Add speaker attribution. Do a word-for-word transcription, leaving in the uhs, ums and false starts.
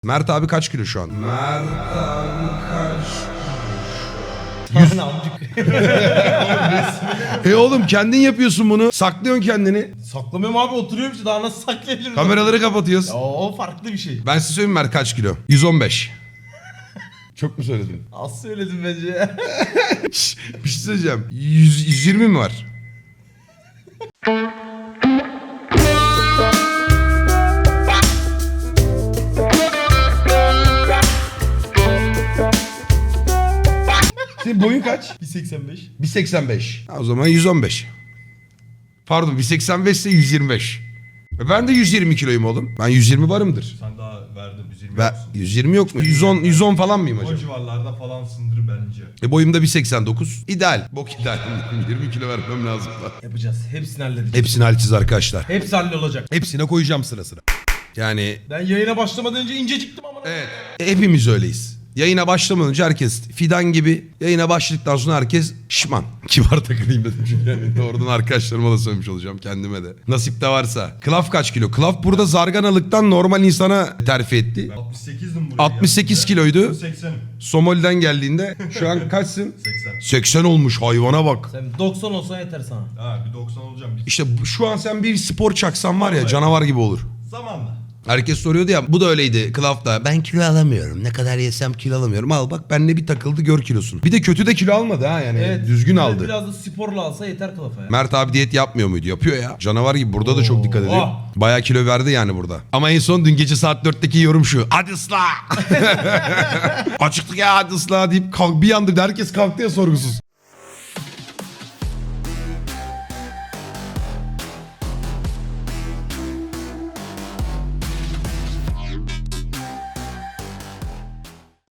Speaker 1: Mert abi kaç kilo şu an?
Speaker 2: Mert abi kaç?
Speaker 1: Yüz... e oğlum kendin yapıyorsun bunu. Saklıyorsun kendini.
Speaker 2: Saklamıyorum abi, oturuyorum işte, daha nasıl saklayabilirim?
Speaker 1: Kameraları kapatıyoruz.
Speaker 2: Ya, o farklı bir şey.
Speaker 1: Ben size söyleyeyim Mert kaç kilo? yüz on beş. Çok mu söyledim?
Speaker 2: Az söyledim bence.
Speaker 1: Şş, bir şey söyleyeceğim. yüz, yüz yirmi mi var? Senin boyun kaç?
Speaker 2: bir seksen beş.
Speaker 1: bir seksen beş. Ha, o zaman yüz on beş. Pardon bir seksen beş ise yüz yirmi beş. E ben de yüz yirmi kiloyum oğlum. Ben yüz yirmi varımdır.
Speaker 3: Sen daha verdin yüz yirmi
Speaker 1: Ve
Speaker 3: yoksun.
Speaker 1: yüz yirmi yok mu? yüz on yüz on falan mıyım
Speaker 3: O
Speaker 1: acaba?
Speaker 3: civarlarda falansındır bence.
Speaker 1: E boyum da bir seksen dokuz. İdeal. Bok ideal. yirmi kilo vermem lazım da.
Speaker 2: Yapacağız. Hepsini halledeceğiz.
Speaker 1: Hepsini halledeceğiz arkadaşlar.
Speaker 2: Hepsi hallolacak.
Speaker 1: Hepsine koyacağım sıra sıra. Yani
Speaker 2: Ben yayına başlamadan önce inceciktim ama.
Speaker 1: evet. E, hepimiz öyleyiz. Yayına başlamadan önce herkes fidan gibi. Yayına başladıktan sonra herkes şişman. Kibar takılayım dedim çünkü yani doğrudan arkadaşlarıma da söylemiş olacağım, kendime de. Nasip de varsa. Klaf kaç kilo? Klaf burada zarganalıktan normal insana terfi etti.
Speaker 3: Ben altmış sekizdim buraya
Speaker 1: altmış sekiz
Speaker 3: geldiğimde.
Speaker 1: kiloydu.
Speaker 3: seksenim.
Speaker 1: Somali'den geldiğinde şu an kaçsın?
Speaker 3: seksen.
Speaker 1: seksen olmuş, hayvana bak.
Speaker 2: Sen doksan olsa yeter sana.
Speaker 3: Ha bir doksan olacağım. Bir...
Speaker 1: İşte bu- şu an sen bir spor çaksan var ya, canavar gibi olur.
Speaker 3: Zamanla.
Speaker 1: Herkes soruyordu ya, bu da öyleydi Klaf'ta. Ben kilo alamıyorum. Ne kadar yesem kilo alamıyorum. Al bak benle bir takıldı, gör kilosunu. Bir de kötü de kilo almadı ha yani.
Speaker 2: Evet.
Speaker 1: Düzgün
Speaker 2: bir de
Speaker 1: aldı.
Speaker 2: Biraz da sporla alsa yeter kılıfa ya.
Speaker 1: Mert abi diyet yapmıyor muydu? Yapıyor ya. Canavar gibi, burada da çok dikkat ediyor.
Speaker 2: Oh.
Speaker 1: Bayağı kilo verdi yani burada. Ama en son dün gece saat dörtteki yorum şu. Hadi ısla. Açıklık ya, hadi ısla deyip kalk, bir anda herkes kalktı ya sorgusuz.